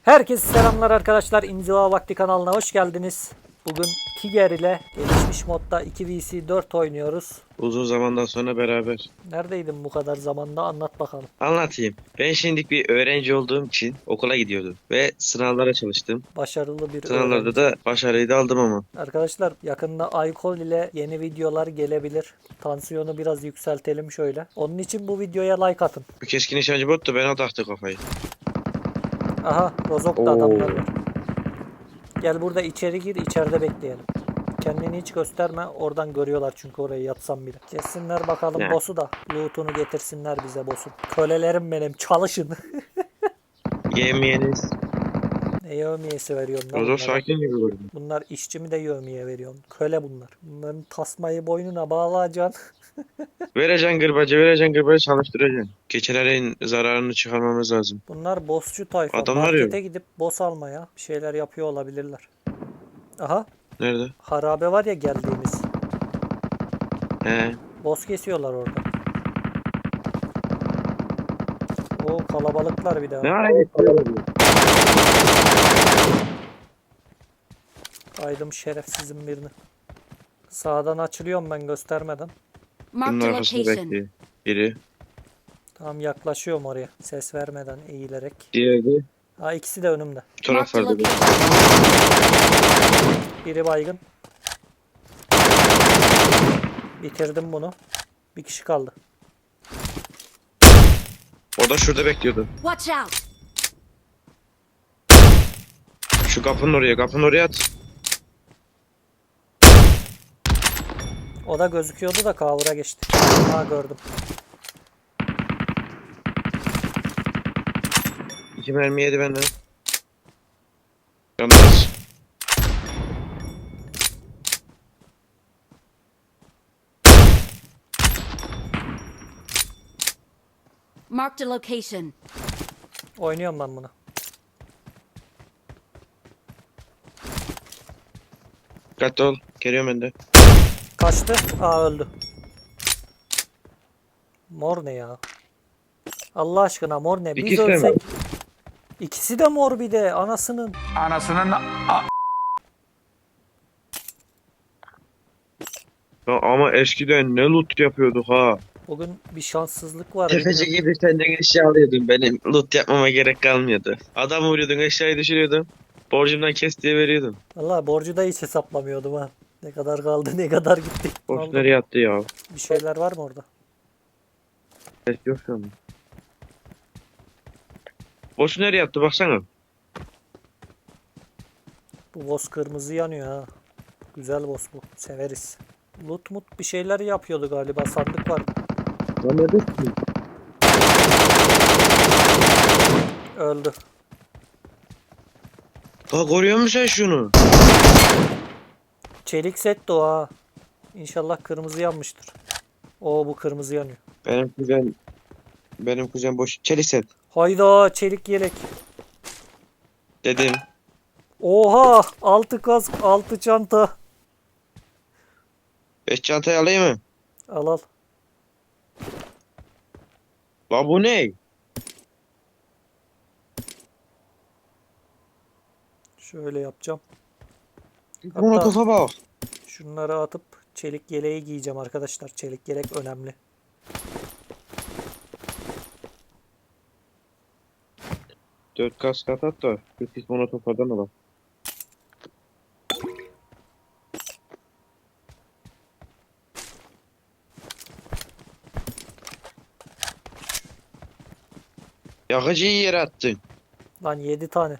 Herkese selamlar arkadaşlar. İnziva Vakti kanalına hoş geldiniz. Bugün Tiger ile gelişmiş modda 2vs4 oynuyoruz. Uzun zamandan sonra beraber. Neredeydin bu kadar zamanda, anlat bakalım. Anlatayım. Ben şimdilik bir öğrenci olduğum için okula gidiyordum. Ve sınavlara çalıştım. Başarılı bir Sınavlarda öğrenci. da başarıyı da aldım ama. Arkadaşlar yakında Aykol ile yeni videolar gelebilir. Tansiyonu biraz yükseltelim şöyle. Onun için bu videoya like atın. Bu keskin nişancı bot da bana taktı kafayı. Aha, Rozok'ta adamlar var. Gel burada içeri gir, içeride bekleyelim. Kendini hiç gösterme, oradan görüyorlar çünkü orayı yatsam bile. Kessinler bakalım Ne? boss'u da. Loot'unu getirsinler bize boss'un. Kölelerim benim, çalışın. Yemeyeniz. Ne yevmiyesi veriyorsun lan Rozok bunlara? sakin gibi gördüm. Bunlar işçi mi de yevmiye veriyorsun? Köle bunlar. Bunların tasmayı boynuna bağlayacaksın. Vereceksin gırbacı çalıştıracaksın. Keçelerin zararını çıkarmamız lazım. Bunlar boss'cu tayfa. Adamlar yok. Markete gidip boss almaya bir şeyler yapıyor olabilirler. Aha, Nerede? harabe var ya geldiğimiz. He. Boss kesiyorlar orada. O kalabalıklar bir daha. Ne ara getiriyorlar? Aydım şerefsizin birini. Sağdan açılıyorum ben göstermeden. Bunun Marked a arkasında location. bekliyor. Biri. Tamam, yaklaşıyorum oraya. Ses vermeden eğilerek. Diğeri de Ha, ikisi de önümde. bu Marked a taraflarda. location. Biri baygın. Bitirdim bunu. Bir kişi kaldı. O da şurada bekliyordu. Watch out! Şu kapının oraya at. O da gözüküyordu da kavura geçti. Ha, gördüm. 2 mermi yedi benden. Yalnız. Marked a location. Oynuyorum ben bunu. Dikkatli ol. Geliyorum ben de. Kaçtı. Aa, öldü. Mor ne ya? Allah aşkına mor ne? Biz İkisi de mi? ölsek. İkisi de mor bir de anasının. Ya ama eskiden ne loot yapıyorduk ha. Bugün bir şanssızlık var. Tefeci bilmiyorum. gibi senden eşya alıyordun. Benim loot yapmama gerek kalmıyordu. Adam vuruyordun, eşyayı düşürüyordun. Borcumdan kes diye veriyordun. Vallahi borcu da hiç hesaplamıyordum ha. Ne kadar kaldı, ne kadar gitti. Ne Borç oldu? nereye attı ya? Bir şeyler var mı orada? Ses yok şu an. Borç nereye attı baksana. Bu boss kırmızı yanıyor ha. Güzel boss bu. Severiz. Loot mut bir şeyler yapıyordu galiba. Sandık vardı. Lan neredesin? Öldü. Daha koruyor musun sen şunu? Çelik set de o ha. İnşallah kırmızı yanmıştır. Oo, bu kırmızı yanıyor. Benim kuzen boş. Çelik set. Hayda, çelik yelek. Dedim. Oha, 6 kask, 6 çanta. 5 çantayı alayım mı? Al al. La bu ne? Şöyle yapacağım. Molotofa bak. Şunları atıp çelik yeleği giyeceğim arkadaşlar. Çelik yelek önemli. Dört kask at da. Bir pis molotofadan al. Yakıcıyı yere attın. Lan 7 tane.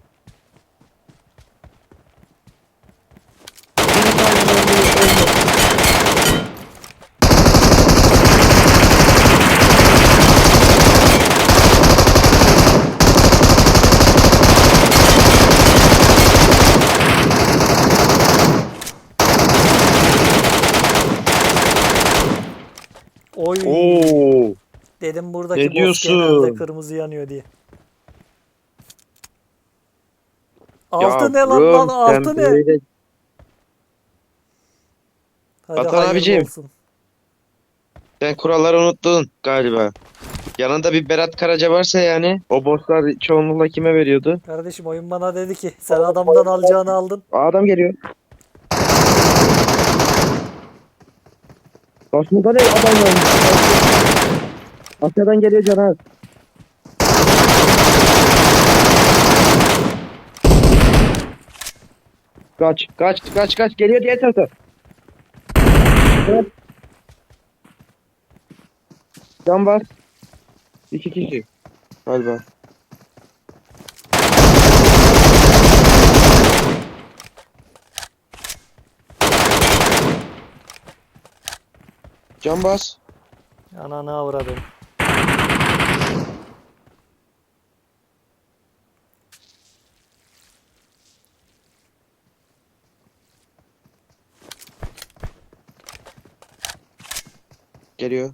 Oy. Oo. Dedim buradaki Ne boss diyorsun? genelde kırmızı yanıyor diye. Altı ne lan, altı ne? Hadi Vatan hayırlı abicim. olsun. Sen kuralları unuttun galiba. Yanında bir Berat Karaca varsa yani o bosslar çoğunlukla kime veriyordu? Kardeşim oyun bana dedi ki sen adamdan alacağını aldın. Adam geliyor. Karşımda ne adam var? Asya'dan geliyor Caner. Kaç geliyor diğer tarafa. Evet. Can var. 2 kişi galiba. Can bas. Ananı avradım. Geliyor.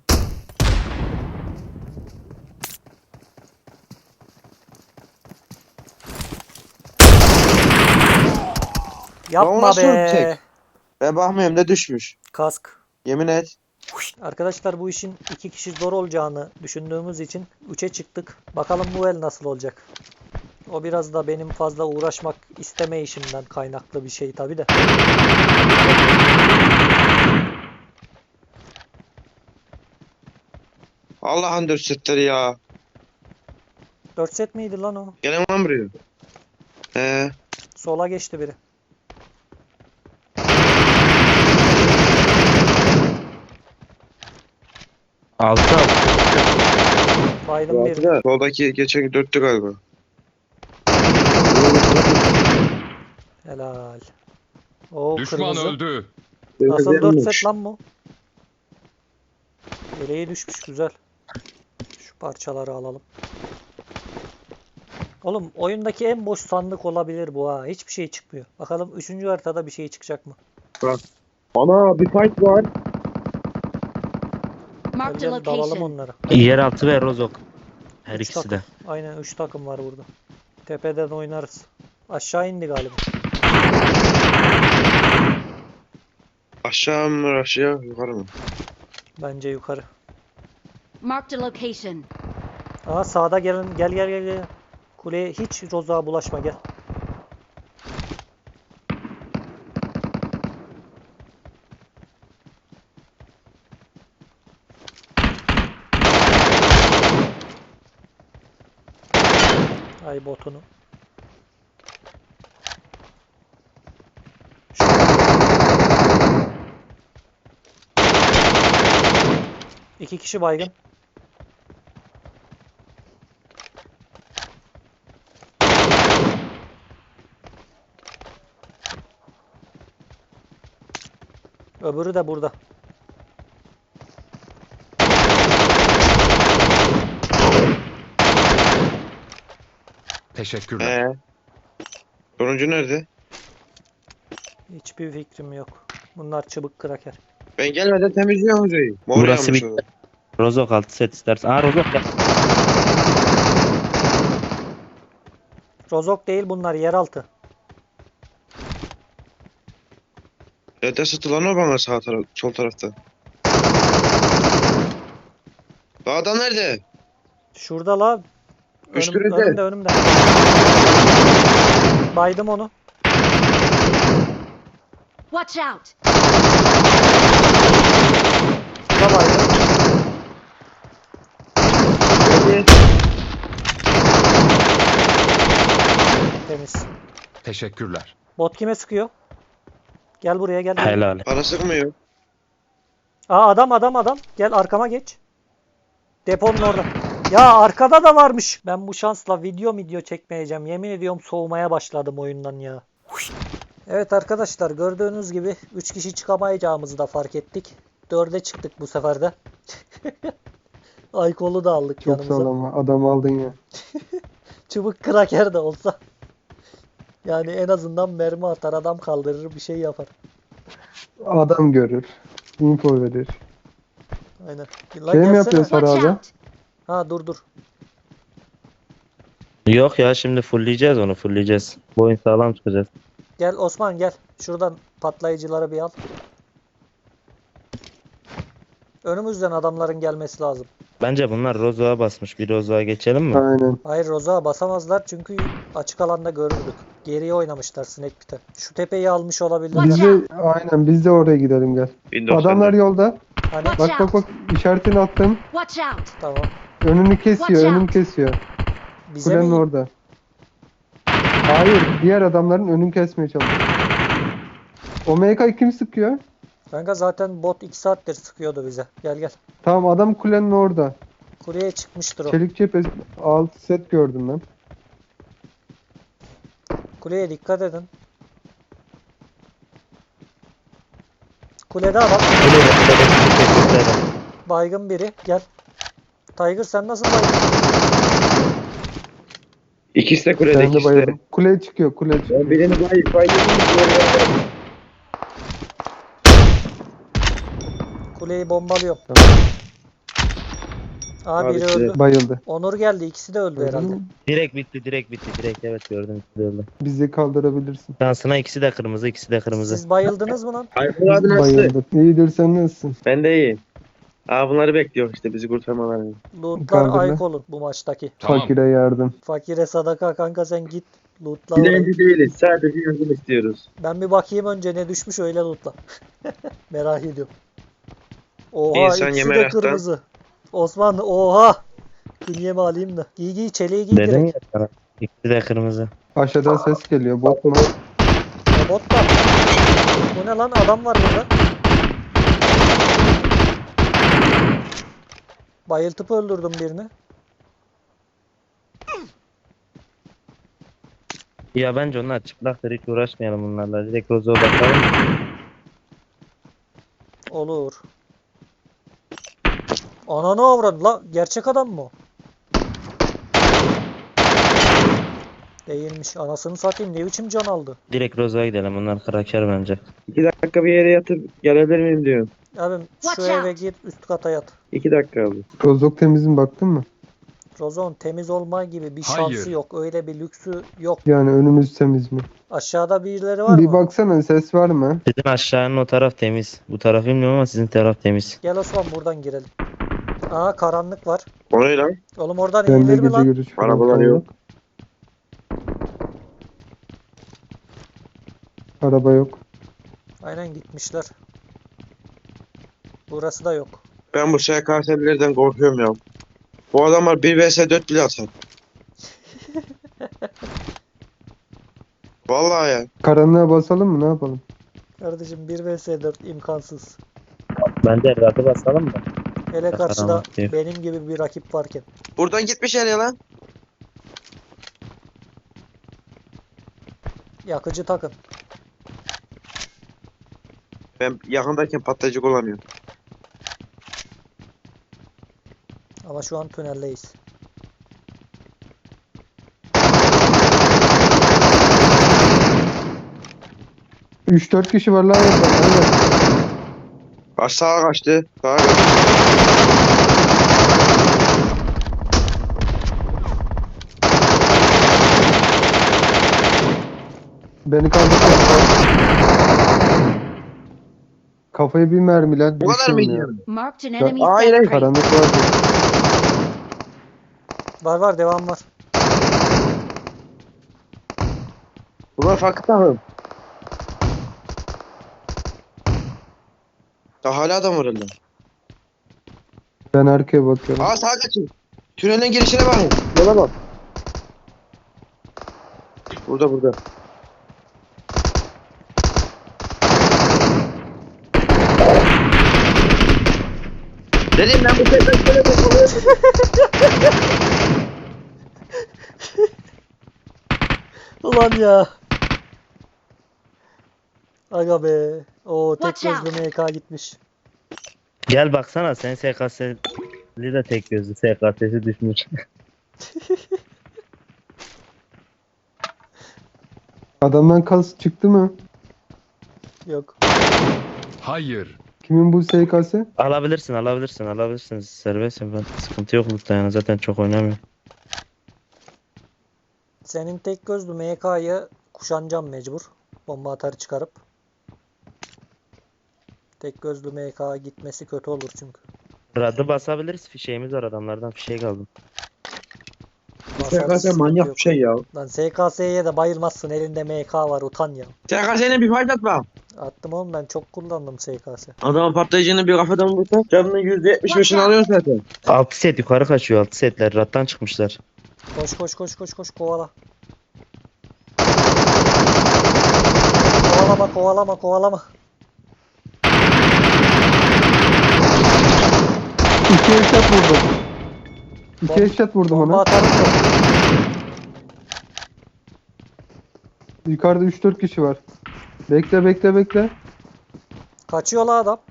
Yapma nasıl be. ölecek? Ben bakmıyorum da düşmüş. Kask. Yemin et. Arkadaşlar bu işin 2 kişi zor olacağını düşündüğümüz için 3'e çıktık. Bakalım bu el nasıl olacak. O biraz da benim fazla uğraşmak istemeyişimden kaynaklı bir şey tabi de. Allah'ın dürsetleri ya. 4 set miydi lan o? Gene mi buraya? Sola geçti biri. Altı al. Baydım birini. Altıda. Soldaki geçen dörttü galiba. Helal. Oo Düşman kırmızı. öldü. Nasıl 4 set lan bu? Yeleği düşmüş güzel. Şu parçaları alalım. Oğlum oyundaki en boş sandık olabilir bu ha. Hiçbir şey çıkmıyor. Bakalım 3. haritada bir şey çıkacak mı? Ana bir fight var. Marked a Gel dalalım location. onlara. Yeraltı ve Rozok. Her Üç ikisi de. takım. Aynen 3 takım var burada. Tepeden oynarız. Aşağı indi galiba. Aşağı mı aşağı yukarı mı? Bence yukarı. Marked a location. Aa sağda gelin. Gel. Kuleye hiç rozağa bulaşma gel. Ay botunu. İki kişi baygın. Öbürü de burada. Teşekkürler. Sonuncu nerede? Hiçbir fikrim yok. Bunlar çubuk kraker. Ben gelmeden temizliyorum hocayı. Mor Burası yanmış bir- orada. Rozok altı set istersen. Aa Rozok ya. Rozok değil bunlar yeraltı. Nerede satılan o bana sağ taraf, sol tarafta. Adam nerede? Şurada la. Üstünüzde. Önümde. Baydım onu. Watch out! Şurada baydım. Nerede? Temiz. Teşekkürler. Bot kime sıkıyor? Gel buraya gel. Helal. Bana sıkmıyor. Aa adam. Gel arkama geç. Deponun orada. Ya arkada da varmış. Ben bu şansla video çekmeyeceğim. Yemin ediyorum soğumaya başladım oyundan ya. Evet arkadaşlar gördüğünüz gibi 3 kişi çıkamayacağımızı da fark ettik. 4'e çıktık bu sefer de. Aykol'u da aldık Çok yanımıza. sağlam adam aldın ya. Çubuk kraker de olsa. Yani en azından mermi atar, adam kaldırır, bir şey yapar. Adam görür. Info verir. Aynen. Şey Lan mi gelsene. yapıyorsun? Watch Sarı abi. out! Ha dur. Yok ya şimdi fullleyeceğiz onu fullleyeceğiz. Bu oyun sağlam çıkacağız. Gel Osman gel. Şuradan patlayıcıları bir al. Önümüzden adamların gelmesi lazım. Bence bunlar Rozo'ya basmış. Bir Rozo'ya geçelim mi? Aynen. Hayır, Roza basamazlar çünkü açık alanda görürdük. Geriye oynamışlar Snake Pit'e. Şu tepeyi almış olabilir. Watch Biz de aynen biz de oraya gidelim gel. 1090'da. Adamlar yolda. Hani Watch Bak işaretini attım. Watch out! tamam. Önünü kesiyor, Watch out. önünü kesiyor. Bize Kulenin mi? orada. Hayır, diğer adamların önünü kesmeye çalışıyor. O MK'yı kim sıkıyor? Kanka zaten bot 2 saattir sıkıyordu bize. Gel gel. Tamam adam kulenin orada. Kuleye çıkmıştır o. Çelik cephesi 6 set gördüm ben. Kuleye dikkat edin. Kulede adam. Baygın biri. Gel. Tiger sen nasıl baygın? İkisi de kulede, Ben de ikisi de. bayıldım. Kuleye çıkıyor, kuleye çıkıyor. Ben birini bayıldım. Kuleyi bombalıyorum. Tamam. Aa biri Abi, öldü. Bayıldı. Onur geldi. İkisi de öldü herhalde. Direkt bitti, direkt bitti. Direkt evet gördüm. İkisi de öldü. Bizi kaldırabilirsin. Şansına ikisi de kırmızı, ikisi de kırmızı. Siz bayıldınız mı lan? Ay bu adı nasıl? Bayıldı. İyidir sen nasılsın? Ben de iyiyim. Aa bunları bekliyor işte bizi kurtarmalarını. Lootlar Kaldırma. ayık olun bu maçtaki. Fakire yardım. Fakire sadaka kanka sen git. Lootla Dilenci orayı. değiliz. Sadece yardım istiyoruz. Ben bir bakayım önce ne düşmüş öyle lootla. Merak ediyorum. Oha İnsan ikisi yeme de meraktan. kırmızı. Osman oha. Künyemi alayım da. Giy giy çeliği giy Dedim ya direkt. sana. İkisi de kırmızı. Aşağıdan ses geliyor. Bot mu? Bot var. Bu ne lan adam var burada. Bayıltıp öldürdüm birini. Ya bence onlar çıplaktır, hiç uğraşmayalım bunlarla. Direkt Rozo'ya bakalım. Olur. Ananı avradı la. Gerçek adam mı o? Değilmiş. Anasını satayım. Ne biçim can aldı? Direkt Rozo'ya gidelim. Onlar kraker bence. 2 dakika bir yere yatıp gelebilir miyim diyorum. Abim şu Watch eve out. gir üst kata yat. 2 dakika oldu. Rozok temizin baktın mı? Rozon temiz olma gibi bir Hayır. şansı yok. Öyle bir lüksü yok. Yani önümüz temiz mi? Aşağıda birileri var Bir mı? baksana ses var mı? Sizin aşağının o taraf temiz. Bu taraf bilmiyorum ama sizin taraf temiz. Gel Osman buradan girelim. Aa karanlık var. O ne lan? Oğlum oradan Bende inilir mi gece lan? görüş falan Arabalar yok. Araba yok. Aynen gitmişler. Burası da yok. Ben bu SKS'lerden korkuyorum ya. Bu adamlar 1 vs 4 bile atar. Vallahi ya. Karanlığa basalım mı? Ne yapalım? Kardeşim 1 vs 4 imkansız. Bence evladı basalım mı? Hele Karanlık karşıda diyor. benim gibi bir rakip varken. Buradan gitmiş ya lan. Yakıcı takın. Ben yakındayken patlayıcı kullanıyorum. Ama şu an tüneldeyiz. Üç dört kişi var lan orada. Aynen. Sağa kaçtı. Sağa kaçtı. Beni kaldırdı. Kafayı bir mermiler Bu kadar düştüm mı ya. gidiyor? Marked an Ya, enemy's hayır, death crate. Karanlık vardı. Var var devam var. Bunlar farklı takım. Ya hala adam var orada. Ben arkaya bakıyorum. Aa sağa kaçın. Tünelin girişine bakın. Yola bak. Burada. Dedim ben bu sefer şöyle bakıyorum. Ulan ya. Aga be. O tek Watch out. gözlü MK gitmiş. Gel baksana sen SKS'li de tek gözlü SKS'si düşmüş. Adamdan kas çıktı mı? Yok. Hayır. Kimin bu SKS? alabilirsin serbestsin, ben sıkıntı yok lütfen yani, zaten çok oynamıyorum. Senin tek gözlü MK'yı kuşanacağım mecbur. Bomba atarı çıkarıp. Tek gözlü MK gitmesi kötü olur çünkü. Radı basabiliriz. Fişeğimiz var adamlardan. Fişek aldım. Basarız, SKS manyak bir yok. şey ya. Lan SKS'ye de bayılmazsın. Elinde MK var, utan ya. SKS'ne bir fayda atma. Attım oğlum, ben çok kullandım SKS. Adamın patlayıcını bir kafadan vursa canının %75'ini alıyorsun zaten. 6 set yukarı kaçıyor. 6 setler. Rattan çıkmışlar. Koş koş koş koş koş, kovala. Kovalama kovalama kovalama. İki headshot vurdum. İki headshot vurdum Bomba ona. atarım da. Yukarıda 3-4 kişi var. Bekle bekle bekle. Kaçıyor la adam.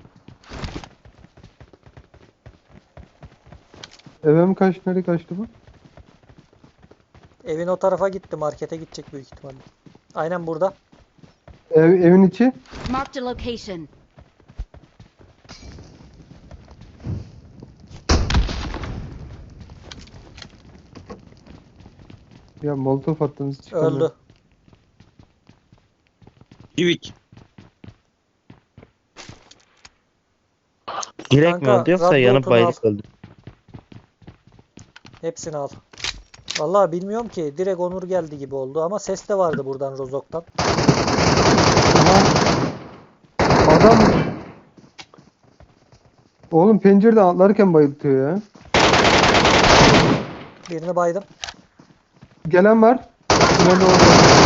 Eve mi kaçtı? Nereye kaçtı bu? Evin o tarafa gitti, markete gidecek büyük ihtimalle. Aynen burada. Evin içi. Marked a location. Ya molotof attınız çıkamıyorum. Öldü. Yivik. Direkt mi Kanka, öldü yoksa radyo yanıp otunu bayılıp al. öldü? Hepsini al. Vallahi bilmiyorum ki. Direkt Onur geldi gibi oldu ama ses de vardı buradan Rozok'tan. Adam oğlum pencereden atlarken bayıltıyor ya. Birini baydım. Gelen var. Tünelde orada.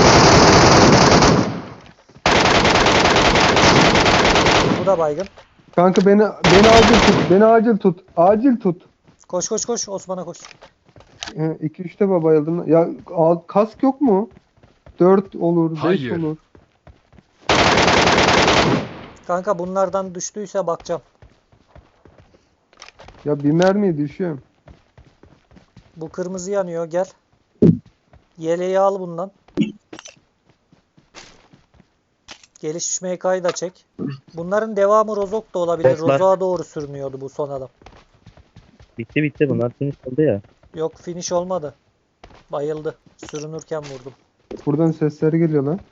Bu da baygın. Kanka beni acil tut. Beni acil tut. Acil tut. Koş koş koş. Osman'a koş. 2-3 defa bayıldım. Ya kask yok mu? 4 olur, 5 Hayır. olur. Kanka bunlardan düştüyse bakacağım. Ya bir mermiye düşüyorum. Bu kırmızı yanıyor, gel. Yeleği al bundan. Gelişmiş MK'yı da çek. Bunların devamı Rozok da olabilir. Evet, var. Rozok'a doğru sürünüyordu bu son adam. Bitti bunlar finish oldu ya. Yok, finish olmadı. Bayıldı. Sürünürken vurdum. Buradan sesler geliyor lan.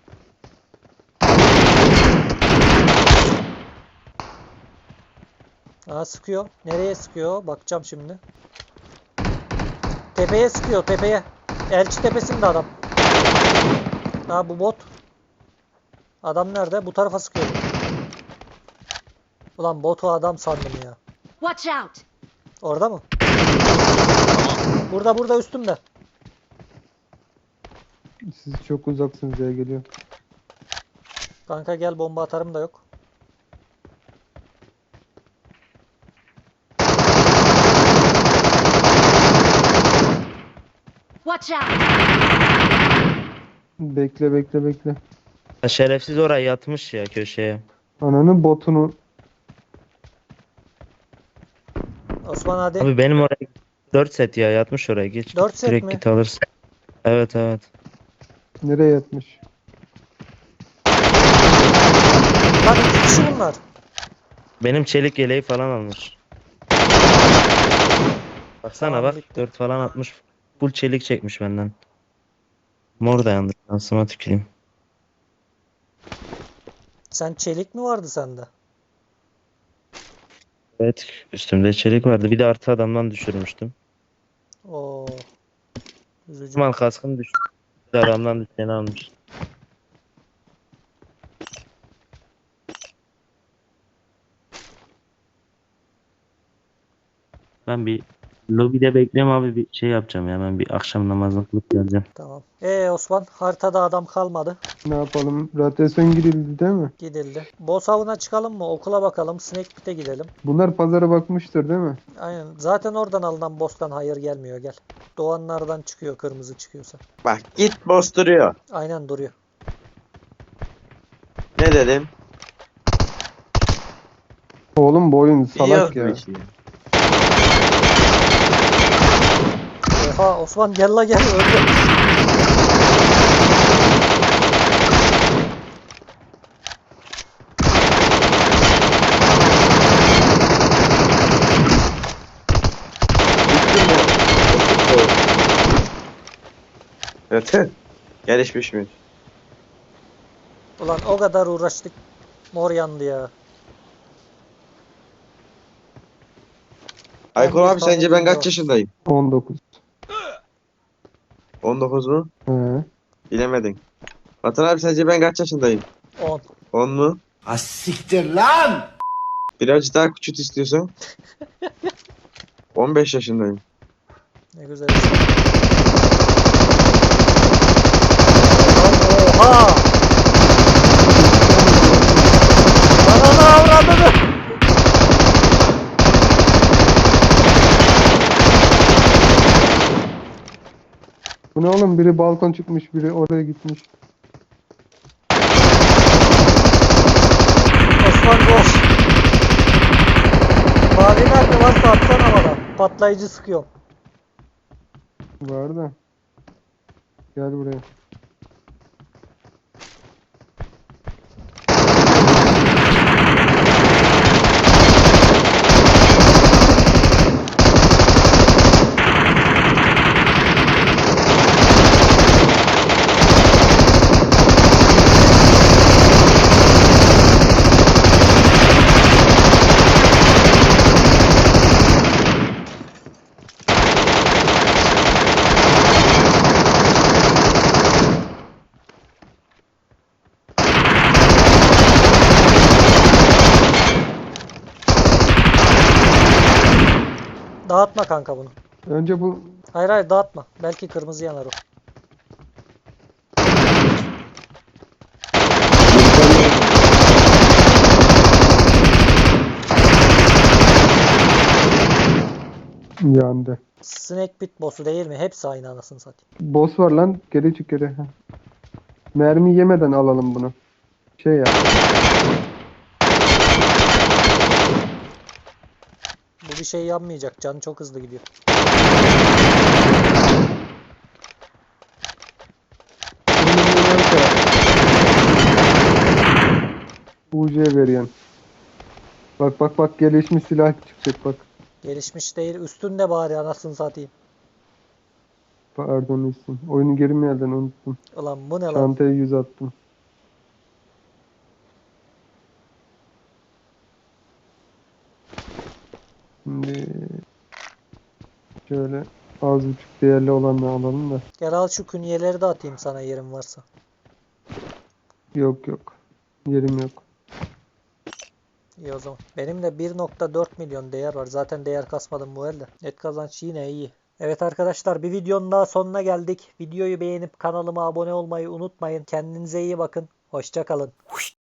Aa, sıkıyor. Nereye sıkıyor? Bakacağım şimdi. Tepeye sıkıyor, tepeye. Elçi tepesinde adam. Ha, bu bot. Adam nerede? Bu tarafa sıkıyor. Ulan botu adam sandım ya. Watch out! Orada mı? Burada üstümde. Siz çok uzaksınız ya geliyor. Kanka gel, bomba atarım da yok. Watch out! Bekle bekle bekle. Ha, şerefsiz oraya yatmış ya köşeye. Ananın botunu. Osman hadi. Abi benim oraya 4 set ya yatmış oraya. Geç 4 git, set direkt mi? git alırsın. Evet. Nereye yatmış? Lan 2 kişi bunlar. Benim çelik yeleği falan almış. Baksana Tamam, bak bitti. 4 falan atmış. Full çelik çekmiş benden. Mor dayandı. Şansıma tüküreyim. Sen çelik mi vardı sende? Evet üstümde çelik vardı. Bir de artı adamdan düşürmüştüm. Oo. Üzücü. Mal kaskım düştü. Bir de adamdan düşeni almış. Ben bir lobide bekliyorum abi, bir şey yapacağım ya, ben bir akşam namazını kılıp geleceğim. Tamam. Osman, haritada adam kalmadı. Ne yapalım? Radyasyon girildi değil mi? Gidildi. Boss avına çıkalım mı? Okula bakalım. Snake Pit'e gidelim. Bunlar pazara bakmıştır değil mi? Aynen. Zaten oradan alınan boss'tan hayır gelmiyor. Gel. Doğanlardan çıkıyor, kırmızı çıkıyorsa. Bak git boss duruyor. Aynen duruyor. Ne dedim? Oğlum bu oyun salak ya. Biliyoruz bu işi. Oha Osman, gel la gel. Öldü. Evet. Gelişmiş mi? Ulan o kadar uğraştık. Mor yandı ya. Aykul 11 abi tane sence ben video. kaç yaşındayım? 19. 19 mu? He. Bilemedin. Vatan abi sence ben kaç yaşındayım? 10. 10 mu? Siktir lan! Birazcık daha küçült istiyorsan. 15 yaşındayım. Ne güzel. Oha! Ananı avradını! Bu ne oğlum? Biri balkon çıkmış, biri oraya gitmiş. Osman koş. Mavi nerede varsa atsana bana. Patlayıcı sıkıyorum. Var da. Gel buraya. Dağıtma kanka bunu. Önce bu Hayır hayır dağıtma. Belki kırmızı yanar o. yandı. Snake bit boss'u değil mi? Hepsi aynı anasını satayım. Boss var lan. Geri çık geri. Heh. Mermi yemeden alalım bunu. Şey ya. Bu bir şey yapmayacak. Canı çok hızlı gidiyor. UC veriyorsun. Bak bak bak gelişmiş silah çıkacak bak. Gelişmiş değil. Üstünde bari anasını satayım. Pardon isim. Oyunu geri mi yerden unuttum. Ulan bu ne lan? Çantaya 100 attım. Şimdi şöyle az buçuk değerli olanla alalım da. Gel al şu künyeleri de atayım sana yerin varsa. Yok yok. Yerim yok. İyi o zaman. Benim de 1.4 milyon değer var. Zaten değer kasmadım bu elde. Net kazanç yine iyi. Evet arkadaşlar bir videonun daha sonuna geldik. Videoyu beğenip kanalıma abone olmayı unutmayın. Kendinize iyi bakın. Hoşça kalın.